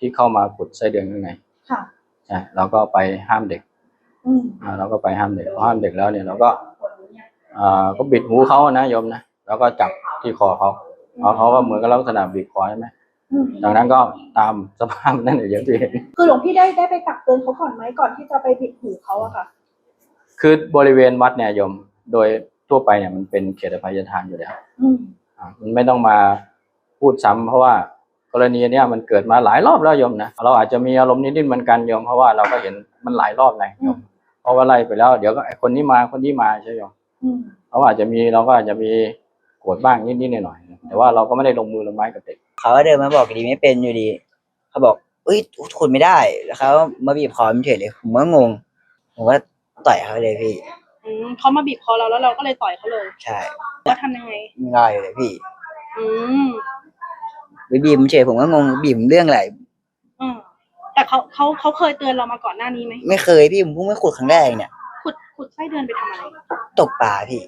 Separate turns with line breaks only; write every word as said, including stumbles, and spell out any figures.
ที่เข้ามาขุดไส้เดือนข้างใน
ค่ะ
ใช่เราก็ไปห้ามเด็ก
อืม
อ่าเราก็ไปห้ามเด็กพอห้ามเด็กแล้วเนี่ยเราก็อ่าก็บิดหูเขานะโยมนะแล้วก็จับที่คอเขาเขาเขาก็เหมือนกับลักษณะบีบคอใช่ไหมจากนั้นก็ตามสภาพนั่นอย่างที่เห็น
คือหลวงพี่ได้ได้ไปตักเตือนเขาก่อนไหมก่อนที่จะไปบิดหูเขาอะค่ะ
คือบริเวณวัดเนี่ยโยมโดยทั่วไปเนี่ยมันเป็นเขตอภัยทานอยู่แล้วมันไม่ต้องมาพูดซ้ำเพราะว่ากรณีเนี้ยมันเกิดมาหลายรอบแล้วโยมนะเราอาจจะมีอารมณ์นิดๆเหมือนกันโยมเพราะว่าเราก็เห็นมันหลายรอบไงโยมเพราะว่าไล่ไปแล้วเดี๋ยวก็ไอ้คนนี้มาคนนี้มาใช่โยมเขาอาจจะมีเราก็อาจจะมีโกรธบ้างนิดๆหน่อยๆแต่ว่าเราก็ไม่ได้ลงมือลงไม้กับเด็ก
เขาก็เดินมาบอกดีไม่เป็นอยู่ดีเขาบอกเอ้ยขุดไม่ได้แล้วเขามาบีบคอเฉยเลยผมก็งงผมก็ต่อยเขาเลยพี่
อืมเขามาบีบคอเราแล้วเราก็เลยต่อยเขาเลย
ใช่
ว่าทำยังไง
ง่ายเลยพี่
อืม
ไปบีบเฉยผมก็งงบีบเรื่องอะไร
อืมแต่เขาเขาเขาเคยเตือนเรามาก่อนหน้านี้ไหม
ไม่เคยพี่ผมเพิ่งมาขุดครั้งแรกเนี่ย
ขุดขุดไส้เดือนไปทำอะไร
ตกปลาพี่